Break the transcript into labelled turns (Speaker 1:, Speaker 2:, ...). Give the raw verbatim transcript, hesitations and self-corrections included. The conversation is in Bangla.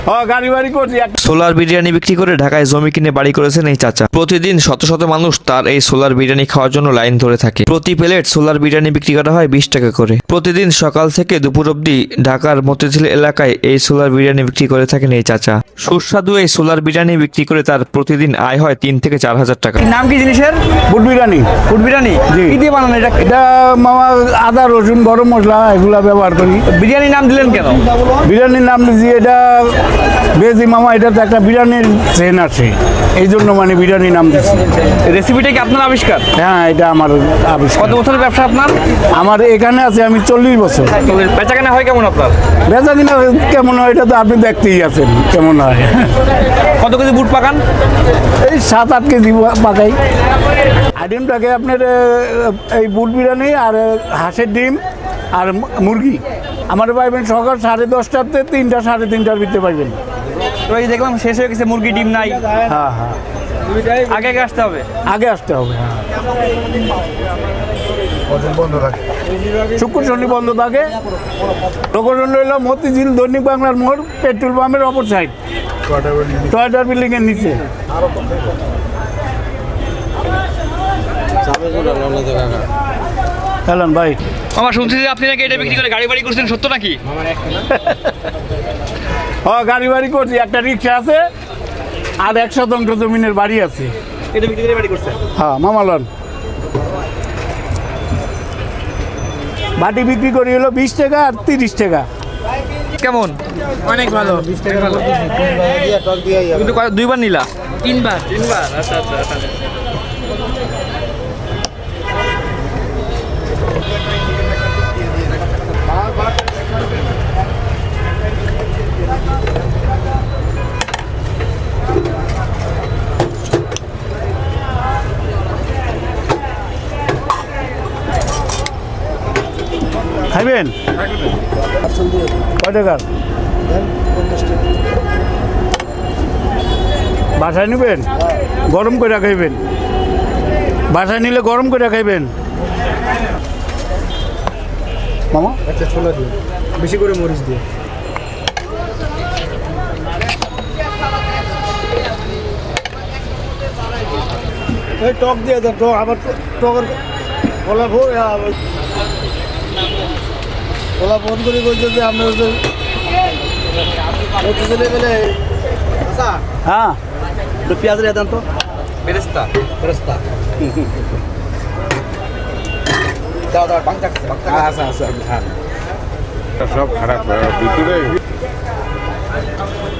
Speaker 1: সোলার বিরিয়ানি বিক্রি করে ঢাকায় জমি কিনে বাড়ি করেছেন এই চাচা। প্রতিদিন শত শত মানুষ তার এই সোলার বিরিয়ানি খাওয়ার জন্য লাইন ধরে থাকে। প্রতি প্লেট সোলার বিরিয়ানি বিক্রি করা হয় বিশ টাকা করে। প্রতিদিন সকাল থেকে দুপুর অবধি ঢাকার মতিঝিল এলাকায় এই সোলার বিরিয়ানি বিক্রি করে থাকেন এই চাচা। সুস্বাদু এই সোলার বিরিয়ানি বিক্রি করে তার প্রতিদিন আয় হয় তিন থেকে চার হাজার টাকা।
Speaker 2: নাম কি জিনিসের?
Speaker 3: বুট বিরিয়ানি।
Speaker 2: ফুড বিরিয়ানি
Speaker 3: জি।
Speaker 2: কি দিয়ে বানানো এটা?
Speaker 3: এটা মামা আদা রসুন গরম মশলা এগুলা ব্যবহার করি।
Speaker 2: বিরিয়ানি নাম দিলেন কেন?
Speaker 3: বিরিয়ানির নাম দিয়েছি এটা বেজি মামা, এটা তো একটা বিরিয়ানির চেন আছে, এই জন্য মানে বিরিয়ানি নাম দিচ্ছি।
Speaker 2: রেসিপিটা কি আপনার আবিষ্কার?
Speaker 3: হ্যাঁ, এটা আমার আবিষ্কার।
Speaker 2: কত বছরের ব্যবসা আপনার?
Speaker 3: আমার এখানে আছে আমি চল্লিশ বছর।
Speaker 2: বেচা কেনা হয় কেমন আপনার?
Speaker 3: বেচা কিনা কেমন হয় এটা তো আপনি দেখতেই আছেন কেমন হয়।
Speaker 2: কত কেজি বুট পাকান?
Speaker 3: এই সাত আট কেজি পাকাই। আইটেমটাকে আপনার এই বুট বিরিয়ানি আর হাঁসের ডিম আর মুরগি আমার পাইবেন সকাল সাড়ে দশটাতে তিনটা সাড়ে তিনটার ভিতরে পাইবেন।
Speaker 2: তো এই দেখলাম শেষ হয়ে গেছে, মুরগি ডিম নাই।
Speaker 3: হ্যাঁ হ্যাঁ,
Speaker 2: আগে আগে আসতে হবে।
Speaker 3: আগে আসতে হবে। হ্যাঁ, শুক্র শনি বন্ধ থাকে। লোকেশন রইল মতিঝিল দৈনিক বাংলার মোড়, পেট্রোল পাম্পের অপর সাইড, টয়টার বিল্ডিং এর নিচে। হ্যালো ভাই।
Speaker 2: আমার শুনছি যে আপনি নাকি এটা বিক্রি করে গাড়ি বাড়ি করছেন, সত্য নাকি?
Speaker 3: হ্যাঁ, গাড়ি বাড়ি করছি, একটা রিক্সা আছে আর এক শতাংশ জমিনের বাড়ি আছে।
Speaker 2: এটা বিক্রি করে বাড়ি করছেন?
Speaker 3: হ্যাঁ মামালন। বাটি বিক্রি করি হলো বিশ টাকা আর তিরিশ টাকা।
Speaker 2: কেমন?
Speaker 4: অনেক ভালো।
Speaker 2: কিন্তু কয়- দুইবার নিলা? তিনবার। তিনবার, আচ্ছা আচ্ছা আচ্ছা।
Speaker 3: খাইবেন কয় টাকার? বাসায় নেবেন? গরম করে খাইবেন? বাসায় নিলে গরম করে খাইবেন মামা।
Speaker 4: একটা ছোলা দিয়ে বেশি করে মরিচ দিয়ে। এই টক দিয়ে দেন, টক আবার টকের কলা ভোগ কলা ফোন করে বলছে যে আপনার হচ্ছে গেলে
Speaker 3: হ্যাঁ,
Speaker 4: তো পেঁয়াজ দিয়ে দেন তো।
Speaker 2: বেরেস্তা।
Speaker 4: ফেরস্তা দাও দাও বাংলা আচ্ছা আচ্ছা
Speaker 5: সব খারাপ ভিতরে